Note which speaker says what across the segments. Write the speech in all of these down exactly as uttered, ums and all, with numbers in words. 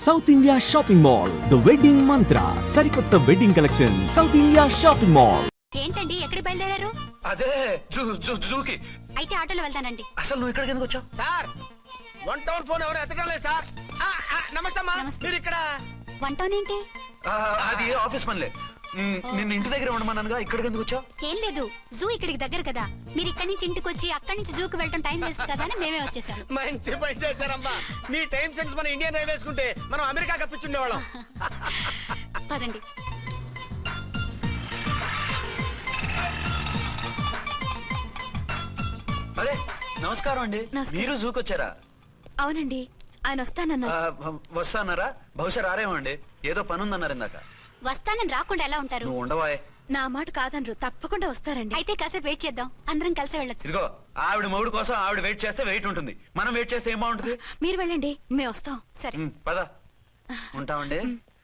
Speaker 1: South India Shopping Mall The Wedding Mantra సరికొత్త wedding collection South India Shopping Mall.
Speaker 2: ఏంటండి ఎక్కడికి బయలుదేరారు?
Speaker 3: అదే జూ జూ జూకి.
Speaker 2: అయితే ఆటోలో వెళ్తానండి.
Speaker 3: అసలు నువ్వు ఇక్కడికి ఎందుకు వచ్చావు?
Speaker 4: సార్ వన్ టౌన్ ఫోన్ ఎవరు ఎత్తడం లేదు సార్. ఆ, ఆ, నమస్తే అమ్మా.
Speaker 2: నమస్తే.
Speaker 4: మీరు ఇక్కడ
Speaker 2: వన్ టౌన్ ఏంటి?
Speaker 3: ఆ, అది ఆఫీస్ పనిలే. మ్, నిన్ను ఇంటి దగ్గర ఉండమన్నానుగా, ఇక్కడికి ఎందుకు వచ్చావు?
Speaker 2: ఏం లేదు, జూ ఇక్కడికి దగ్గర కదా. మీరు ఇక్కడి నుంచి ఇంటికి వచ్చి అక్కడి నుంచి జూకి వెళ్ళటం టైం వేస్ట్ కదా అని మేమే వచ్చేసాం.
Speaker 4: మంచి పని చేశారమ్మా. మీ టైం సెన్స్ మన ఇండియన్ రైల్వేస్ కుంటే మనం అమెరికా కప్పించుండేవాళ్ళం.
Speaker 2: పదండి.
Speaker 3: అదే నమస్కారం అండి.
Speaker 2: నమస్కారం.
Speaker 3: మీరు జూకి వచ్చారా?
Speaker 2: అవునండి, ఆయన వస్తానన్నారు.
Speaker 3: ఆ, వ- వస్తానారా? బహుశా రారేమో అండి, ఏదో పని ఉందన్నారు ఇందాక.
Speaker 2: వస్తానని రాకుండా ఎలా ఉంటారు?
Speaker 3: నువ్వు ఉండవాయే.
Speaker 2: నా మాట కాదనరు, తప్పకుండా వస్తారండి. అయితే కాసేపు వెయిట్ చేద్దాం, అందరం కలిసి వెళ్ళొచ్చు.
Speaker 3: ఇదిగో ఆవిడ మొగుడు కోసం ఆవిడ వెయిట్ చేస్తే వెయిట్ ఉంటుంది, మనం వెయిట్ చేస్తే ఏం బాగుంటుంది?
Speaker 2: మీరు వెళ్ళండి, మేము వస్తాం. సరే.
Speaker 3: మ్, పద ఉంటామండి.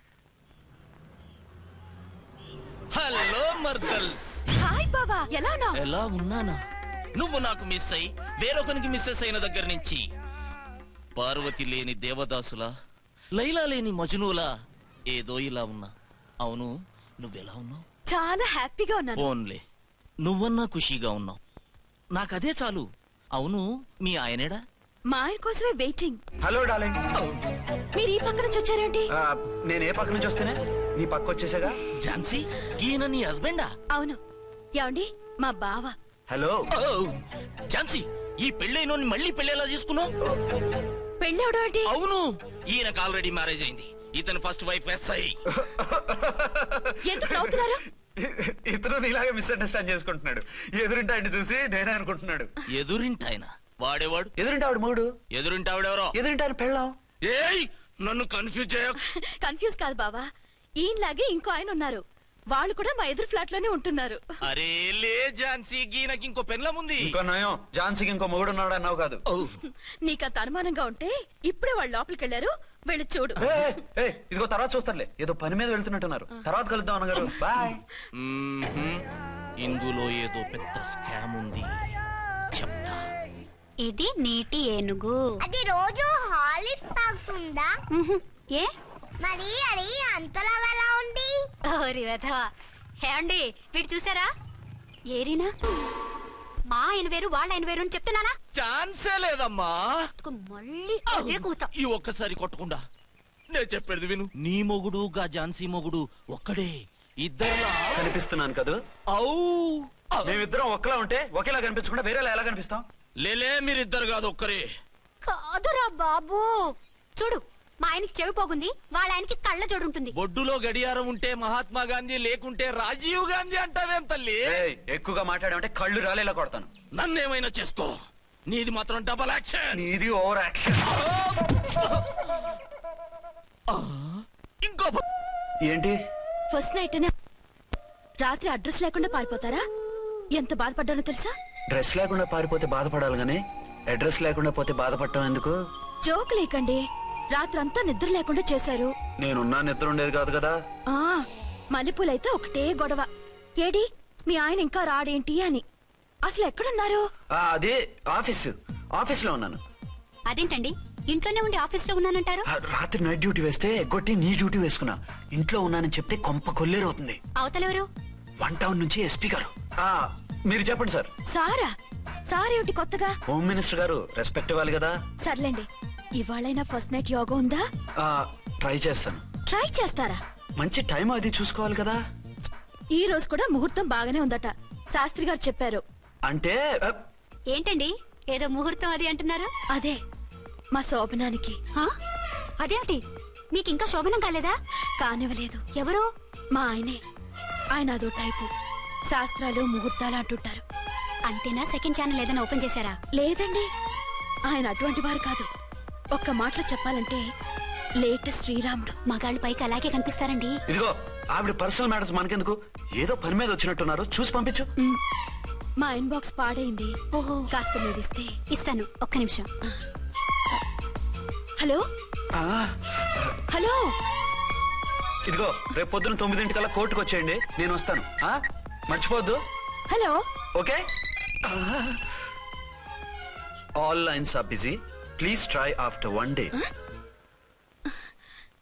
Speaker 5: హలో మర్దల్స్,
Speaker 2: హాయ్ బాబా, ఎలా ఉన్నావు?
Speaker 5: ఎలా ఉన్నానా? నువ్వు నాకు మిస్ అయి వేరొకరికి మిస్సెస్ అయిన దగ్గర నుంచి పార్వతి లేని దేవదాసులా, లైలా లేని మజునులా ఏదో ఇలా ఉన్నా. అవును, నువ్వెలా ఉన్నావు?
Speaker 2: చాలా హ్యాపీగా ఉన్నాను.
Speaker 5: ఓన్లే నువ్వన్నా ఖుషీగా ఉన్నావు, నాకదే చాలు. అవును, మీ ఆయనేడా?
Speaker 2: మా ఆయన కోసమే వెయిటింగ్.
Speaker 3: Hello darling.
Speaker 2: మీరు ఈ పక్క నుంచి వచ్చారేంటి?
Speaker 3: ఆ, నేను ఏ పక్క నుంచి వస్తేనే నీ పక్క వచ్చేసాగా.
Speaker 5: ఝాన్సీ, ఈయన నీ హస్బెండా?
Speaker 2: అవును. ఏమండి, మా బావ.
Speaker 3: హలో.
Speaker 5: ఓ, ఝాన్సీ, ఈ పెళ్ళైనోని మళ్ళీ పెళ్ళేలా చేసుకున్నావు?
Speaker 2: పెళ్ళవడం ఏంటి?
Speaker 5: అవును, ఈయనకు ఆల్రెడీ మ్యారేజ్ అయింది. ఇతను ఫస్ట్ వైఫ్ ఎస్ఐ.
Speaker 2: ఎందుకు నవ్వుతున్నారు?
Speaker 3: ఇతను నీలాగే మిస్అండర్స్టాండ్ చేసుకుంటున్నాడు. ఎదురింటి ఆయన చూసి నేనే అనుకుంటున్నాడు.
Speaker 5: ఎదురింటాయన వాడేవాడు?
Speaker 3: ఎదురింటి ఆవిడ మూడు.
Speaker 5: ఎదురింటి ఆవిడెవరో?
Speaker 3: ఎదురింటి ఆయన పెళ్ళాం.
Speaker 5: ఏయ్, నన్ను కన్ఫ్యూజ్ చేయ.
Speaker 2: కన్ఫ్యూజ్ కాదు బావా, ఈయనలాగే ఇంకో ఆయన ఉన్నారు. వాళ్ళు కూడా మా ఎదురు ఫ్లాట్ లోనే ఉంటున్నారు.
Speaker 5: అరే లే ఝాన్సీ, గీనకి ఇంకో పెన్లం ఉంది.
Speaker 3: ఇంకో నయం, ఝాన్సీకి ఇంకో మొగుడు ఉన్నాడు అన్నావు కాదు.
Speaker 2: నీకంత అనుమానంగా ఉంటే ఇప్పుడే వాళ్ళు లోపలికి వెళ్ళారు, వెళ్ళి చూడు.
Speaker 3: ఏయ్, ఏయ్, ఇదిగో తర్వాత చూస్తారులే, ఏదో పని మీద వెళ్తున్నట్టున్నారు. తర్వాత కలుద్దాం అన్నగారు. బాయ్.
Speaker 5: మ్మ్హ్మ్. ఇందులో ఏదో పెద్ద స్కామ్ ఉంది, చెప్తా.
Speaker 2: ఇది నీటి ఏనుగు.
Speaker 6: అది రోజు హాలిక్స్ తాగుతుందా?
Speaker 2: ఉహు, ఏ
Speaker 6: మరి అది అంతలా ఎలా ఉంది?
Speaker 2: ఓరి వెధవా. ఏమండి, వీడు చూసారా? ఏరినా మా ఆయన వేరు వాళ్ళ ఆయన వేరు అని చెప్తున్నానా?
Speaker 5: ఛాన్సే లేదమ్మా.
Speaker 2: మళ్ళీ అదే కూత.
Speaker 5: ఈ ఒక్కసారి కొట్టకుండా నేను చెప్పేది విను. నీ మొగుడు గా ఝాన్సీ మొగుడు ఒక్కడే, ఇద్దరులా
Speaker 3: కనిపిస్తున్నాను కదా.
Speaker 5: ఔ.
Speaker 3: మేమిద్దరం ఒక్కలా ఉంటే ఒకేలా కనిపించకుండా వేరేలా ఎలా కనిపిస్తాం?
Speaker 5: లేలే, మీరిద్దరు కాదు ఒక్కరే.
Speaker 2: కాదురా బాబు, చూడు, మా ఆయనకి చెవి పోగుంది, వాళ్ళ ఆయనకి కళ్ళ జోడు ఉంటుంది.
Speaker 5: బొడ్డులో గడియారం ఉంటే మహాత్మా గాంధీ, లేకుంటే రాజీవ్ గాంధీ అంటావేం తల్లి?
Speaker 3: ఏయ్, ఎక్కువగా మాట్లాడామంటే కళ్ళు రాలేలా కొడతాను.
Speaker 5: నన్నేమైనా చేసుకో, నీది మాత్రం డబల్ యాక్షన్.
Speaker 3: నీది ఓవర్ యాక్షన్.
Speaker 5: ఇంకో ప-
Speaker 3: ఏంటి?
Speaker 2: ఫస్ట్ నైట్ అనే రాత్రి అడ్రస్ లేకుండా పారిపోతారా? ఎంత బాధపడ్డానో తెలుసా?
Speaker 3: డ్రెస్ లేకుండా పారిపోతే బాధపడాలి గానీ అడ్రస్ లేకుండా పోతే బాధపడటం ఎందుకు?
Speaker 2: జోక్ లేకండి, రాత్రంతా నిద్ర లేకుండా చేశారు.
Speaker 3: నేనున్నా నిద్ర ఉండేది కాదు కదా.
Speaker 2: ఆ మల్లెపూలైతే ఒకటే గొడవ. ఏడి మీ ఆయన ఇంకా రాడేంటి అని. అసలు ఎక్కడున్నారు?
Speaker 3: ఆ, అదే ఆఫీస్ ఆఫీస్ లో ఉన్నాను.
Speaker 2: అదేంటండి, ఇంట్లోనే ఉండి ఆఫీస్ లో ఉన్నానంటారు?
Speaker 3: ఆ, రాత్రి నైట్ డ్యూటీ వేస్తే ఎగ్గొట్టి నీ డ్యూటీ వేసుకున్నా. ఇంట్లో ఉన్నానని చెప్తే కొంప కొల్లేరవుతుంది.
Speaker 2: అవతలెవరు?
Speaker 3: వన్ టౌన్ నుంచి ఎస్పీ గారు. ఆ, మీరు చెప్పండి సార్.
Speaker 2: సారా? సారేమిటి కొత్తగా?
Speaker 3: హోమ్ మినిస్టర్ గారు, రెస్పెక్ట్ ఇవ్వాలి కదా.
Speaker 2: సర్లేండి, ఇవాళైనా ఫస్ట్ నైట్ యోగా ఉందా?
Speaker 3: ఆ, ట్రై చేస్తాను.
Speaker 2: ట్రై చేస్తారా?
Speaker 3: మంచి టైం అది చూసుకోవాలి కదా.
Speaker 2: ఈ రోజు కూడా ముహూర్తం బాగానే ఉందట, శాస్త్రి గారు చెప్పారు.
Speaker 3: అంటే ఆ,
Speaker 2: ఏంటండి ఏదో ముహూర్తం అది అంటున్నారు? అదే మా శోభనానికి. అదేమిటి, మీకు ఇంకా శోభనం కాలేదా? కానివ్వలేదు. ఎవరు? మా ఆయనే. ఆయన అదో టైపు, శాస్త్రాలు ముహూర్తాలు అంటుంటారు. అంతేనా? సెకండ్ ఛానల్ ఏదైనా ఓపెన్ చేశారా? లేదండి, ఆయన అటువంటి వారు కాదు. ఒక్క మాటలో చెప్పాలంటే లేటెస్ట్ శ్రీరాముడు. మగాళ్ళు పైకి అలాగే కనిపిస్తారండి.
Speaker 3: ఇదిగో ఆవిడ పర్సనల్ మ్యాటర్స్ మనకెందుకు, ఏదో పని మీద వచ్చినట్టున్నారు, చూసి పంపించు.
Speaker 2: మ్, మా ఇన్బాక్స్ పాడైంది. ఓహో, కాస్త మీదిస్తే ఇస్తాను. ఒక్క నిమిషం. హలో
Speaker 3: ఆ,
Speaker 2: హలో,
Speaker 3: ఇదిగో రేపు పొద్దున తొమ్మిదింటికల్లా కోర్టుకు వచ్చేయండి, నేను వస్తాను. ఆ, మర్చిపోవద్దు.
Speaker 2: Hello.
Speaker 3: Okay. All lines are busy, please try after one day.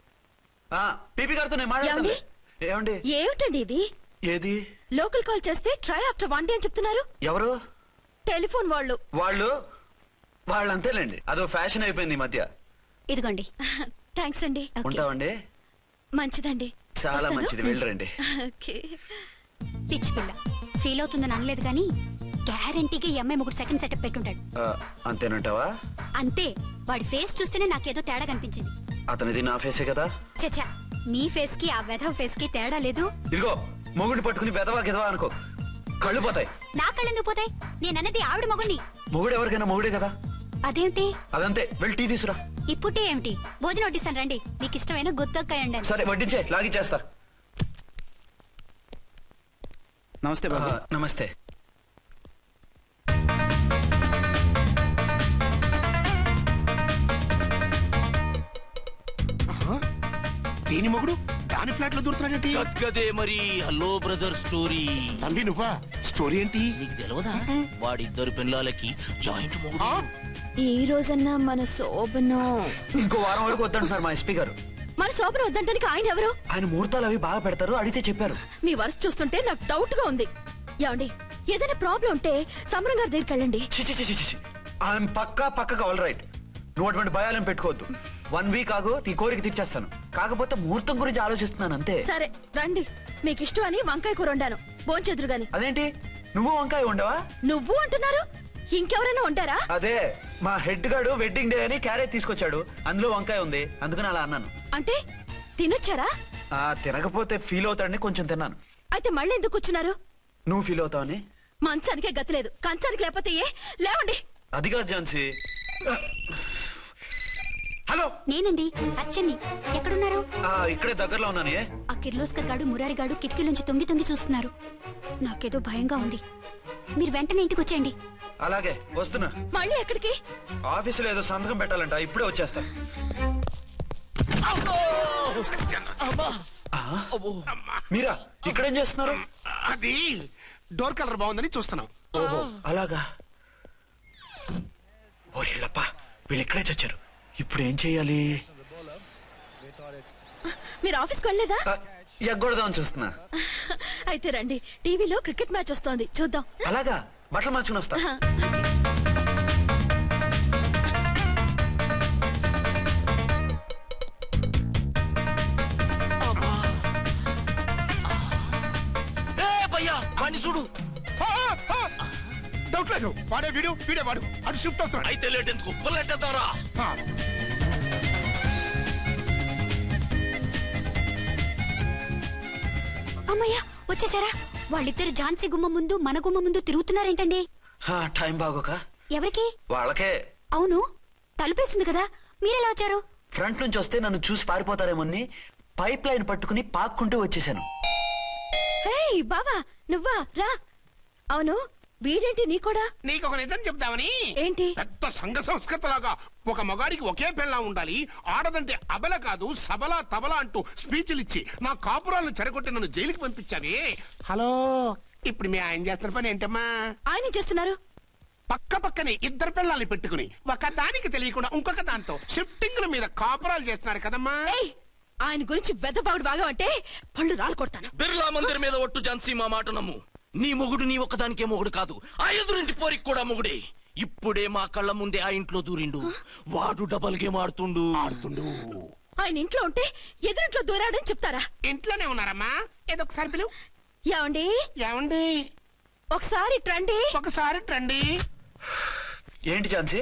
Speaker 3: ఆ పీపీ గారితో నేను మాట్లాడతాను. ఏమండి?
Speaker 2: ఏమిటండి ఇది?
Speaker 3: ఏది?
Speaker 2: లోకల్ కాల్ చేస్తే ట్రై ఆఫ్టర్ వన్ డే అని చెప్తున్నారు.
Speaker 3: ఎవరు?
Speaker 2: టెలిఫోన్ వాళ్ళు.
Speaker 3: వాళ్ళు వాళ్ళు అంతేలేండి, అదో ఫ్యాషన్ అయిపోయింది ఈ మధ్య.
Speaker 2: ఇదిగోండి. థ్యాంక్స్ అండి.
Speaker 3: ఉంటామండి.
Speaker 2: మంచిదండి.
Speaker 3: చాలా
Speaker 2: వస్తాను.
Speaker 3: మంచిది, వెళ్ళరండి.
Speaker 2: ఓకే.
Speaker 7: పిచ్చి పిల్ల ఫీల్ అవుతుందని అనలేదు కానీ గ్యారంటీగా ఈ అమ్మాయి ముగ్గురు సెకండ్ సెటప్ పెట్టుంటాడు.
Speaker 3: ఆ, అంతేనంటావా?
Speaker 7: అంతే. వాడి ఫేస్ చూస్తేనే నాకేదో తేడా కనిపించింది.
Speaker 3: అతనిది నా ఫేసే కదా.
Speaker 7: చచ్చా, నీ ఫేస్ కి ఆ వెధవ ఫేస్ కి తేడా లేదు.
Speaker 3: ఇదిగో మొగుడిని పట్టుకుని బెదవా గెదవా అనుకో, కళ్ళు పోతాయి.
Speaker 7: నా కళ్ళెందుకు పోతాయి? నేనన్నది ఆవిడ మగుణ్ణి.
Speaker 3: మొగుడు ఎవరికైనా మొగుడే కదా.
Speaker 7: అదేంటి?
Speaker 3: అదంతే, వెళ్ళి టీ తీసురా.
Speaker 7: ఇప్పుడే ఏమిటి? భోజనం వడ్డిస్తాను రండి. మీకు ఇష్టమైన గుత్తొక్కాయ ఉండండి.
Speaker 3: సరే వడ్డించే, లాగి చేస్తా.
Speaker 4: నమస్తే
Speaker 3: ఆ,
Speaker 4: బాబు.
Speaker 3: నమస్తే.
Speaker 8: దీని మొగుడు దాని ఫ్లాట్ లో దూరుతున్నాడేంటి?
Speaker 5: గద్గదే మరి. Hello brother story.
Speaker 8: తంబి నువ్వా? స్టోరీ ఏంటి?
Speaker 5: నీకు తెలియదా? వాడిద్దరు పిల్లలకి జాయింట్ మొగుడు.
Speaker 2: ఈ రోజన్నా మన శోభను
Speaker 3: ఇంకో వారం వరకు వద్దంటున్నారు మా ఎస్పీ గారు.
Speaker 2: మన శోభను వద్దంటానికి ఆయన ఎవరు?
Speaker 3: ఆయన ముహూర్తాలు అవి బాగా పెడతారు, అడిగితే చెప్పారు.
Speaker 2: మీ వరుస చూస్తుంటే నాకు డౌట్ గా ఉంది. ఏమండి, ఏదైనా ప్రాబ్లం ఉంటే సమరం గారి దగ్గరికి వెళ్ళండి.
Speaker 3: చిచి చిచి చిచి ఆయన పక్కా పక్కగా ఆల్ రైట్. నువ్వు అటువంటి భయాలను పెట్టుకోవద్దు. వన్ వీక్ ఆగు, నీ కోరిక తీర్చేస్తాను. కాకపోతే ముహూర్తం గురించి ఆలోచిస్తున్నాను అంతే.
Speaker 2: సరే రండి. మీకు ఇష్టం అని వంకాయ కూర వండాను, భోంచెదురు గాని.
Speaker 3: అదేంటి నువ్వు వంకాయ ఉండవా?
Speaker 2: నువ్వు అంటున్నారు, ఇంకెవరైనా ఉంటారా?
Speaker 3: అదే మా హెడ్ గాడు వెడ్డింగ్ డే అని క్యారేజ్ తీసుకొచ్చాడు, అందులో వంకాయ ఉంది, అందుకని అలా అన్నాను.
Speaker 2: అంటే తినొచ్చారా?
Speaker 3: ఆ తినకపోతే ఫీల్ అవుతాడని కొంచెం తిన్నాను.
Speaker 2: అయితే మళ్ళీ ఎందుకు కూర్చున్నారు?
Speaker 3: నువ్వు ఫీల్ అవుతావని.
Speaker 2: మంచానికే గతి లేదు, కంచానికి లేకపోతే ఏ? లేవండి.
Speaker 3: అది కాదు ఝాన్సీ. హలో,
Speaker 7: నేనండి అర్చన్ని. ఎక్కడున్నారు?
Speaker 3: ఆ ఇక్కడే దగ్గరలో ఉన్నాను. ఏ
Speaker 7: ఆ కిర్లోస్కర్ గాడు మురారి గాడు కిటికీలోంచి తొంగి తొంగి చూస్తున్నారు. నాకేదో భయంగా ఉంది. మీరు వెంటనే ఇంటికి వచ్చేయండి.
Speaker 3: అలాగే వస్తున్నా.
Speaker 2: మళ్ళీ ఎక్కడికి?
Speaker 3: ఆఫీసులో ఏదో సంతకం పెట్టాలంట, ఇప్పుడే వచ్చేస్తా. ఆ? మీరా ఇక్కడేం చేస్తున్నారు?
Speaker 8: అది డోర్ కలర్ బాగుందని చూస్తున్నాం.
Speaker 3: ఓహో అలాగా. ఓరేళ్ళప్ప, వీళ్ళు ఇక్కడే చచ్చారు. ఇప్పుడు ఏం చెయ్యాలి?
Speaker 2: మీరు ఆఫీస్కి వెళ్ళలేదా?
Speaker 3: ఆ, ఎగ్గొడదామని చూస్తున్నా.
Speaker 2: అయితే రండి, టీవీలో క్రికెట్ మ్యాచ్ వస్తోంది, చూద్దాం.
Speaker 3: అలాగా, బట్టలు మార్చుకుని వస్తా.
Speaker 5: ఏ భయ్యా, వాడిని చూడు.
Speaker 8: డౌట్ లేదు, వాడే వీడు వీడే వాడు. అటు షిఫ్ట్ అవుతున్నాడు.
Speaker 5: అయితే లేట్ ఎందుకు, పుల్లెట్టేద్దారా?
Speaker 8: ఆ,
Speaker 7: అమ్మయ్యా, వచ్చేసారా? వాళ్ళిద్దరు ఝాన్సీ గుమ్మ ముందు మన గుమ్మ ముందు తిరుగుతున్నారేంటండి?
Speaker 3: ఆ, టైం బాగోక.
Speaker 7: ఎవరికి?
Speaker 3: వాళ్ళకే.
Speaker 7: అవును, తలుపేస్తుంది కదా, మీరెలా వచ్చారు?
Speaker 3: ఫ్రంట్ నుంచి వస్తే నన్ను చూసి పారిపోతారేమోని పైప్ లైన్ పట్టుకుని పాక్కుంటూ వచ్చేసాను.
Speaker 2: హే బావా, నువ్వా? రా. అవును, వీడేంటి నీ కూడా?
Speaker 8: నీకు ఒక నిజం చెప్దామని.
Speaker 2: ఏంటి?
Speaker 8: పెద్ద సంఘ సంస్కృతలాగా ఒక మగాడికి ఒకే పెళ్ళం ఉండాలి, ఆడదంటే అబల కాదు సబల తబల అంటూ స్పీచ్లు ఇచ్చి నా కాపురాలను చెడగొట్టి నన్ను జైలుకి పంపించావి. హలో, ఇప్పుడు మీ ఆయన చేస్తున్న పని ఏంటమ్మా?
Speaker 2: ఆయన చేస్తున్నారు.
Speaker 8: పక్క పక్కనే ఇద్దరు పిల్లల్ని పెట్టుకుని ఒక దానికి తెలియకుండా ఇంకొక దాంతో షిఫ్టింగ్ల మీద కాపురాలు చేస్తున్నాడు కదమ్మా.
Speaker 2: ఏయ్, ఆయన గురించి వెదబాగుడు బాగా అంటే పళ్ళు రాలు కొడతాను.
Speaker 5: బిర్లా మందిర్ మీద ఒట్టు ఝాన్సీ, మా మాట నమ్ము. నీ మొగుడు నీ ఒక్కదానికే మొగుడు కాదు, ఆ ఎదురింటి పోరికి కూడా మొగుడే. ఇప్పుడే మా కళ్ళ ముందే ఆ ఇంట్లో దూరిండు. వాడు డబల్ గేమ్ ఆడుతుండు
Speaker 8: ఆడుతుండు.
Speaker 2: ఆయన ఇంట్లో ఉంటే ఎదురింట్లో దూరాడని చెప్తారా?
Speaker 8: ఇంట్లోనే ఉన్నారమ్మా. ఏదో ఒకసారి పిలువు.
Speaker 2: ఏమండి,
Speaker 8: ఏమండి
Speaker 2: ఒకసారి ట్రండి.
Speaker 8: ఒకసారి రండి.
Speaker 3: ఏంటి ఝాన్సీ?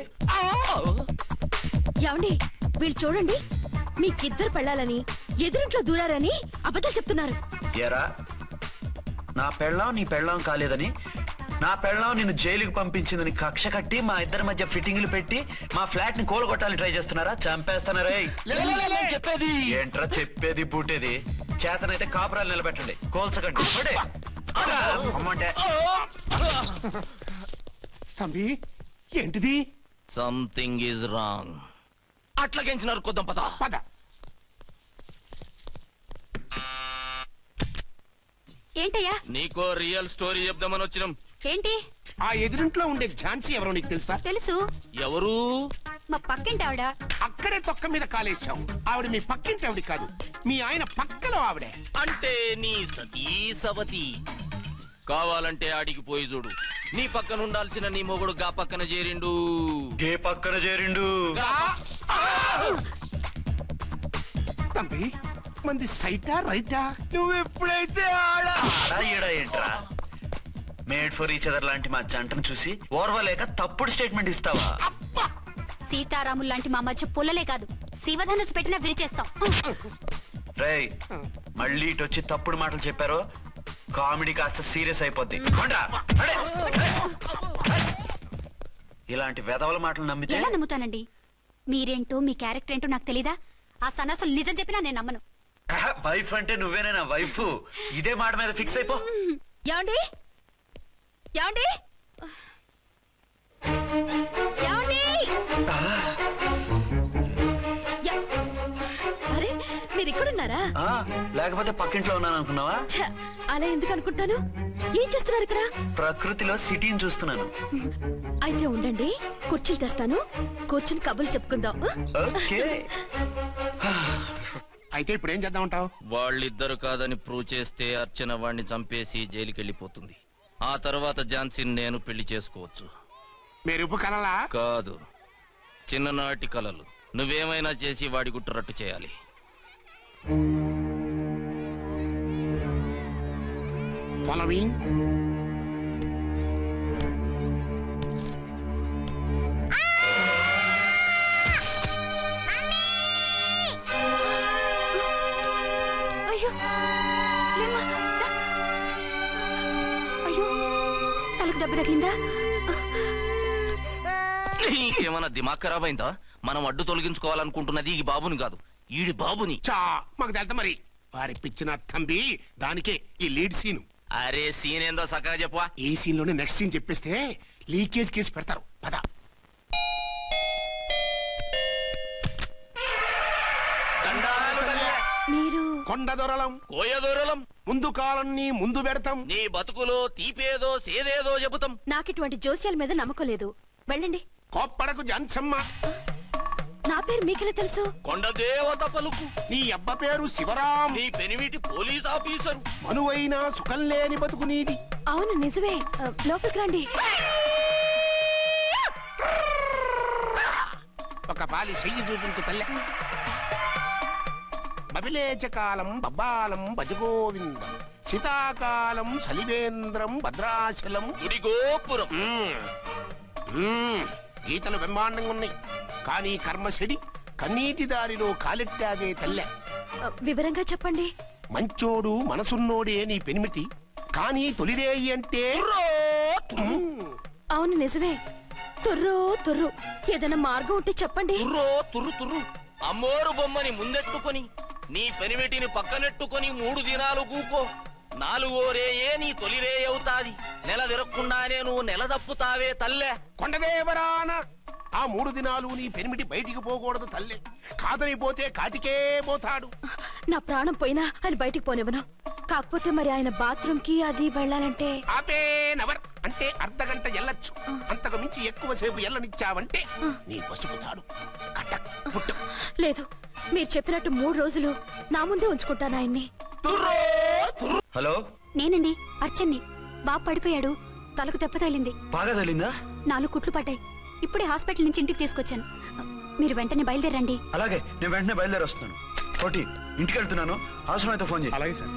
Speaker 2: ఏమండి, వీళ్ళు చూడండి, మీకిద్దరు పెళ్ళాలని ఎదురింట్లో దూరారని అబద్ధాలు చెప్తున్నారు.
Speaker 3: ఏరా, నా పెళ్ళాం నీ పెళ్ళాం కాలేదని, నా పెళ్ళాం నిన్ను జైలుకి పంపించిందని కక్ష కట్టి మా ఇద్దరి మధ్య ఫిట్టింగ్లు పెట్టి మా ఫ్లాట్ ని కూలగొట్టాలని ట్రై చేస్తున్నారా? చంపేస్తున్నారా?
Speaker 5: చెప్పేది
Speaker 3: ఏంట్రా చెప్పేది బూటేది? చేతనైతే కాపురాలు నిలబెట్టండి, కోల్చకండి. పడే. అలా, అమ్మంటే
Speaker 8: తంబి ఏంటిది?
Speaker 5: Something is wrong. అట్లాగెంచినారు కొద్దాం పద.
Speaker 8: పద.
Speaker 7: ఏంటయ్యా?
Speaker 5: నీకో రియల్ స్టోరీ చెప్దామని వచ్చినాం.
Speaker 7: ఏంటి?
Speaker 8: ఆ ఎదురింట్లో ఉండే ఝాన్సీ ఎవరో నీకు తెలుసా?
Speaker 7: తెలుసు,
Speaker 5: ఎవరు?
Speaker 7: మా పక్కింటి ఆవిడ.
Speaker 8: అక్క అక్కడే తొక్క మీద కాలేశావు. ఆవిడ మీ పక్కింటి ఆవిడ కాదు, మీ ఆయన పక్కలో ఆవిడే.
Speaker 5: అంటే నీ సతీ సవతి. కావాలంటే ఆడికి పోయి చూడు. నీ పక్కన ఉండాల్సిన నీ మొగుడు గా పక్కన చేరిండు.
Speaker 3: గే పక్కన చేరిండు.
Speaker 8: తంబి మంది సైటా రైటా?
Speaker 3: నువ్వు ఎప్పుడైతే ఆడా ఈడా ఏంట్రా? మేడ్ ఫర్ ఈచ్ అదర్ లాంటి మా జంటను చూసి ఓర్వలేక తప్పుడు స్టేట్మెంట్ ఇస్తావా?
Speaker 7: సీతారాములు లాంటి మా మధ్య పుల్లలే కాదు, శివధనుసు పెట్టినా విరిచేస్తాం.
Speaker 3: రేయ్, మళ్ళీ ఇటు వచ్చి తప్పుడు మాటలు చెప్పారో కామెడీ కాస్త సీరియస్ అయిపోద్ది. కొండ్రా, అడే, అడే. ఇలాంటి వెధవల మాటలు నమ్మితే
Speaker 7: ఎలా నమ్ముతానండి? మీరేంటో మీ క్యారెక్టర్ ఏంటో నాకు తెలీదా? ఆ సన్నాసులు నిజం చెప్పినా నేను నమ్మను.
Speaker 3: వైఫ్ అంటే నువ్వేనా వైఫ్? ఇదే మాట మీద ఫిక్స్ అయిపో.
Speaker 2: ఏమండి ఏమండి ఏమండి? యా- అరే మీరు ఇక్కడున్నారా?
Speaker 3: ఆ, లేకపోతే పక్కింట్లో ఉన్నాను అనుకున్నావా?
Speaker 2: ఛ, అలా ఎందుకు అనుకుంటాను? ఏం చేస్తున్నారు ఇక్కడ?
Speaker 3: ప్రకృతిలో సిటీని చూస్తున్నాను.
Speaker 2: అయితే ఉండండి, కుర్చీలు తెస్తాను, కూర్చుని కబుర్లు చెప్పుకుందాం.
Speaker 3: ఓకే.
Speaker 8: అయితే ఇప్పుడు ఏం చేద్దామంటావు?
Speaker 5: వాళ్ళిద్దరు కాదని ప్రూవ్ చేస్తే అర్చన వాణ్ణి చంపేసి జైలుకి వెళ్ళిపోతుంది. ఆ తర్వాత ఝాన్సీని నేను పెళ్లి చేసుకోవచ్చు.
Speaker 8: మీరు కలలా?
Speaker 5: కాదు, చిన్ననాటి కలలు. నువ్వేమైనా చేసి వాడి గుట్టురట్టు చేయాలి.
Speaker 8: ఫాలోయింగ్.
Speaker 7: అయ్యో లేమ్మా, దా. అయ్యో తలకు దెబ్బ తగిలిందా?
Speaker 5: నీకేమన్నా దిమాగ్ ఖరాబ్ అయిందా? మనం అడ్డు తొలగించుకోవాలనుకుంటున్నది ఈ బాబుని కాదు, ఈడి బాబుని.
Speaker 8: చా మాకు తెలుత మరి. వారి పిచ్చిన తంబి దానికే ఈ లీడ్ సీన్.
Speaker 5: అరే సీన్ ఏందో సక్కగా చెప్పవా?
Speaker 8: ఈ సీన్ లోనే నెక్స్ట్ సీన్ చెప్పేస్తే లీకేజ్ కేసు పెడతారు. పద.
Speaker 5: దండాలు తల్లే.
Speaker 2: మీరు
Speaker 8: కొండ దొరలం
Speaker 5: కోయ దూరలం.
Speaker 8: ముందు కాలన్నీ ముందు పెడతాం.
Speaker 5: నీ బతుకులో తీపేదో సేదేదో చెబుతాం.
Speaker 2: నాకు ఇటువంటి జోస్యాల మీద నమ్మకం లేదు. వెళ్ళండి.
Speaker 8: కోప్పడకు జన్సమ్మ.
Speaker 2: నా పేరు మీకెలా తెలుసు?
Speaker 5: కొండ దేవత పలుకు.
Speaker 8: నీ అబ్బ పేరు శివరాం.
Speaker 5: నీ పెనిమిటి పోలీస్ ఆఫీసరు.
Speaker 8: మనువైన సుఖం లేని బతుకు నీది.
Speaker 2: అవును నిజమే. ఆ, లోపలికి రండి.
Speaker 8: ఒక పాలి చెయ్యి చూపించు తల్లె. బబిలేచకాలం బబ్బాలం భజగోవిందం, శీతాకాలం సలివేంద్రం భద్రాచలం.
Speaker 5: గుడి గోపురం.
Speaker 8: మ్మ్. మ్మ్. గీతలు బ్రహ్మాండంగా ఉన్నాయి, కానీ కర్మశడి కన్నీటి దారిలో కాలెట్టావే తల్లె.
Speaker 2: ఆ, వివరంగా చెప్పండి.
Speaker 8: మంచోడు మనసున్నోడే నీ పెనిమిటి, కానీ తొలిరేయి అంటే మ్మ్.
Speaker 2: అవును నిజమే. తుర్రో తుర్రు. ఏదైనా మార్గం ఉంటే చెప్పండి.
Speaker 5: తుర్రో తుర్రు తుర్రు. అమ్మోరు బొమ్మని ముందెట్టుకొని నీ పెనిమిటిని పక్కనెట్టుకొని మూడు దినాలు కూకో. నాలుగో రేయే నీ తొలి రే అవుతాది. నెల తిరగకుండానే నువ్వు నెల తప్పుతావే తల్లే.
Speaker 8: కొండదేవరాన ఆ మూడు దినాలు నీ పెనిమిటి బయటికి పోకూడదు తల్లే. కాదని పోతే కాటికే పోతాడు.
Speaker 2: నా ప్రాణం పోయినా ఆయన బయటికి పోనివ్వను. కాకపోతే మరి ఆయన బాత్రూమ్ కి అది వెళ్ళాలంటే
Speaker 8: ఆపే నవర్ అంటే అర్ధ గంట ఎల్లొచ్చు. అంతకు మించి ఎక్కువ సేపు ఎల్లనిచ్చావంటే నీ పసుపుతాడు కటక్ పుట్టక్.
Speaker 2: లేదు, మీరు చెప్పినట్టు మూడు రోజులు నా ముందే ఉంచుకుంటాను ఆయన్ని.
Speaker 3: హలో,
Speaker 7: నేనండి అర్చన్ని. బాబు పడిపోయాడు, తలకు దెబ్బ తగిలింది,
Speaker 3: బాగా తగిలిందా?
Speaker 7: నాలుగు కుట్లు పడ్డాయి. ఇప్పుడే హాస్పిటల్ నుంచి ఇంటికి తీసుకొచ్చాను. మీరు వెంటనే బయలుదేరండి.
Speaker 3: అలాగే, నేను వెంటనే బయలుదేరి వస్తున్నాను. కోటి, ఇంటికి వెళ్తున్నాను. అవసరం అయితే ఫోన్ చేయి. అలాగే సార్.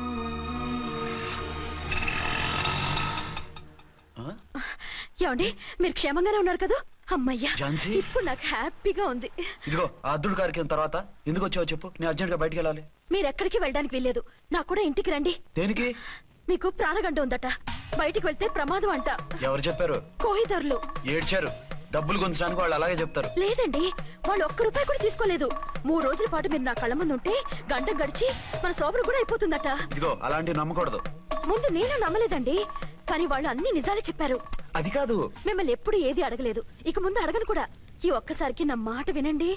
Speaker 2: ఏమండి, మీరు క్షేమంగానే ఉన్నారు కదా? అమ్మయ్యా,
Speaker 3: ఝాన్సీ?
Speaker 2: ఇప్పుడు నాకు హ్యాపీగా ఉంది.
Speaker 3: ఇదిగో ఆ అద్దుడు కార్యక్రమం తర్వాత ఎందుకు వచ్చావో చెప్పు. నేను అర్జెంట్ గా బయటికి వెళ్ళాలి.
Speaker 2: మీరు ఎక్కడికి వెళ్ళడానికి వెళ్ళలేదు. నాకు కూడా ఇంటికి రండి.
Speaker 3: దేనికి?
Speaker 2: మీకు ప్రాణగంట ఉందట, బయటికి వెళ్తే ప్రమాదం అంట.
Speaker 3: ఎవరు చెప్పారు?
Speaker 2: కోహిదర్లు
Speaker 3: ఏడ్చారు. డబ్బులు గుంచడానికి వాళ్ళు అలాగే చెప్తారు.
Speaker 2: లేదండి, వాళ్ళు ఒక్క రూపాయి కూడా తీసుకోలేదు. మూడు రోజుల పాటు మీరు నా కళ్ళ ముందు ఉంటే గంట గడిచి మన సోబరు కూడా అయిపోతుందట.
Speaker 3: ఇదిగో అలాంటివి నమ్మకూడదు.
Speaker 2: ముందు నేను నమ్మలేదండి, కానీ వాళ్ళు అన్ని నిజాలే చెప్పారు.
Speaker 3: అది కాదు,
Speaker 2: మిమ్మల్ని ఎప్పుడు ఏది అడగలేదు, ఇక ముందు అడగను కూడా. ఈ ఒక్కసారికి నా మాట వినండి.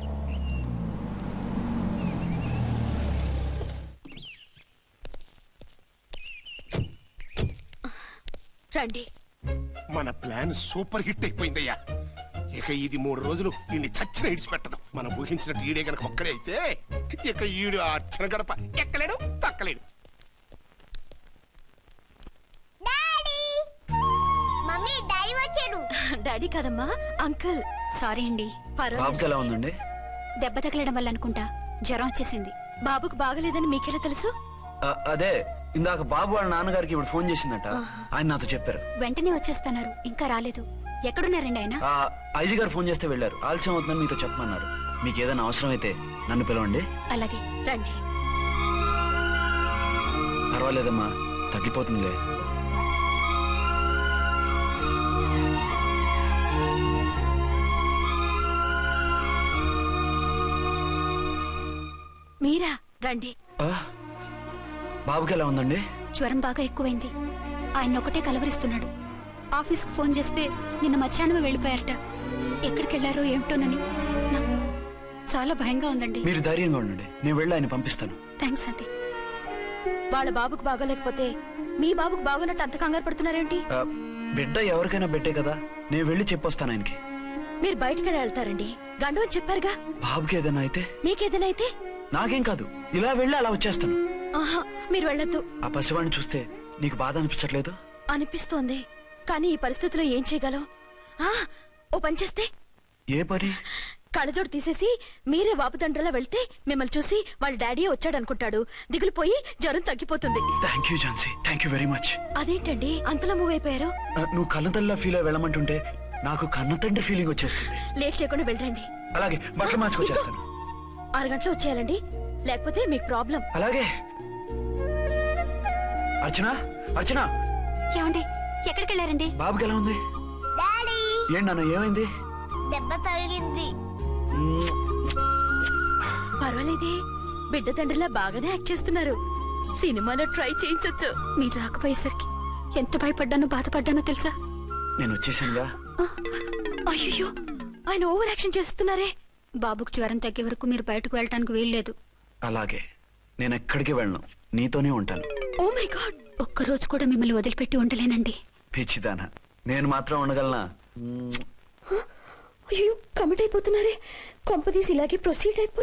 Speaker 2: రండి.
Speaker 8: మన ప్లాన్ సూపర్ హిట్ అయిపోయిందయ్యా. ఇక ఇది మూడు రోజులు నిన్ను చచ్చిన ఇడిచిపెట్టదు. మనం ఊహించినట్టు ఈడే గనక ఒక్కడే అయితే ఇక ఈడు ఆ అర్చన గడప ఎక్కలేడు తక్కలేడు.
Speaker 6: డాడీ మమ్మీ డాడీ వచ్చాడు.
Speaker 2: డాడీ కాదమ్మా అంకుల్.
Speaker 7: సారీ అండి.
Speaker 2: పర్వాలేదు.
Speaker 3: బాబుకి ఎలా ఉందండి?
Speaker 7: దెబ్బ తగలడం వల్ల అనుకుంటా జ్వరం వచ్చేసింది.
Speaker 2: బాబుకు బాగలేదని మీకెలా తెలుసు?
Speaker 3: ఆ, అదే ఇందాక బాబు వాళ్ళ నాన్నగారికి ఇప్పుడు ఫోన్ చేసిందట. ఆయన నాతో చెప్పారు.
Speaker 7: వెంటనే వచ్చేస్తున్నారు, ఇంకా రాలేదు. ఎక్కడున్నారండి ఆయన?
Speaker 3: ఆ ఐజీ గారు ఫోన్ చేస్తే వెళ్ళారు. ఆలస్యం అవుతుందని మీతో చెప్పమన్నారు. మీకు ఏదైనా అవసరం అయితే నన్ను పిలవండి.
Speaker 7: అలాగే.
Speaker 2: రండి.
Speaker 3: పర్వాలేదమ్మా, తగ్గిపోతుందిలే.
Speaker 2: మీరా? రండి.
Speaker 3: ఆ, బాబుకి ఎలా ఉందండి?
Speaker 7: జ్వరం బాగా ఎక్కువైంది. ఆయన ఒకటే కలవరిస్తున్నాడు. ఆఫీస్కు ఫోన్ చేస్తే నిన్న మధ్యాహ్నమే వెళ్ళిపోయారట. ఎక్కడికి వెళ్ళారో ఏమిటోనని నాకు చాలా భయంగా ఉందండి.
Speaker 3: మీరు ధైర్యంగా ఉండండి, నేను వెళ్ళి ఆయన పంపిస్తాను.
Speaker 7: థ్యాంక్స్ అండి.
Speaker 2: వాళ్ళ బాబుకు బాగోలేకపోతే మీ బాబుకు బాగోనట్టు అంత కంగారు పడుతున్నారేంటి?
Speaker 3: ఆ, బిడ్డ ఎవరికైనా బిడ్డే కదా, నేను వెళ్ళి చెప్పొస్తాను ఆయనకి.
Speaker 2: మీరు బయటికి వెళ్తారండి. గండు అని చెప్పారుగా.
Speaker 3: బాబుకి ఏదైనా అయితే?
Speaker 2: మీకేదైనా అయితే?
Speaker 3: నాకేం కాదు, ఇలా వెళ్ళి అలా వచ్చేస్తాను.
Speaker 2: ఆహా, మీరు వెళ్ళొద్దు.
Speaker 3: ఆ పసివాడిని చూస్తే నీకు బాధ అనిపించట్లేదు?
Speaker 2: అనిపిస్తోంది, కానీ ఈ పరిస్థితిలో ఏం చేయగలం? ఆ, ఓ పని చేస్తే
Speaker 3: ఏ పని?
Speaker 2: కళ్ళజోడు తీసేసి మీరే వాపుతండ్రలా వెళ్తే మిమ్మల్ని చూసి వాళ్ళ డాడీ వచ్చాడు అనుకుంటాడు. దిగులు పోయి జ్వరం తగ్గిపోతుంది.
Speaker 3: Thank you Jhansi, thank you very much.
Speaker 2: అదేంటండి అంతలా మూవ్ అయిపోయారు?
Speaker 3: నువ్వు కన్నతల్లా ఫీల్ అయి వెళ్ళమంటుంటే నాకు కన్నతండ్రి ఫీలింగ్ వచ్చేస్తుంది.
Speaker 2: లేట్ చేయకుండా వెళ్ళండి.
Speaker 3: అలాగే, బట్టలు మార్చుకొచ్చేస్తాను.
Speaker 2: ఆరు గంటలు వచ్చేయాలండి, లేకపోతే మీకు ప్రాబ్లం.
Speaker 3: అలాగే. అర్చన, అర్చన,
Speaker 7: ఏమండి ఎక్కడికి వెళ్ళారండి?
Speaker 3: బాబుకి ఎలా ఉంది?
Speaker 6: డాడీ
Speaker 3: ఏంటి నాన్న, ఏమైంది?
Speaker 6: దెబ్బ తగిలింది.
Speaker 3: మ్మ్.
Speaker 2: పర్వాలేదే, బిడ్డ తండ్రిలా బాగానే యాక్ట్ చేస్తున్నారు. సినిమాలో ట్రై చేయించొచ్చు.
Speaker 7: మీరు రాకపోయేసరికి ఎంత భయపడ్డానో బాధపడ్డానో తెలుసా?
Speaker 3: నేను వచ్చేసానుగా.
Speaker 2: అయ్యో, ఆయన ఓవర్ యాక్షన్ చేస్తున్నారే.
Speaker 7: బాబుకు జ్వరం తగ్గే వరకు మీరు బయటకు వెళ్ళటానికి వీల్లేదు.
Speaker 3: అలాగే, నేను ఎక్కడికి వెళ్ళను, నీతోనే ఉంటాను.
Speaker 2: Oh my God.
Speaker 7: ఒక్కరోజు కూడా మిమ్మల్ని వదిలిపెట్టి ఉండలేనండి.
Speaker 3: పిచ్చిదానా, నేను మాత్రం ఉండగలనా? మ్మ్.
Speaker 2: అయ్యో, కమిట్ అయిపోతున్నారే. కొంపదీసి ఇలాగే ప్రొసీడ్ అయిపోయి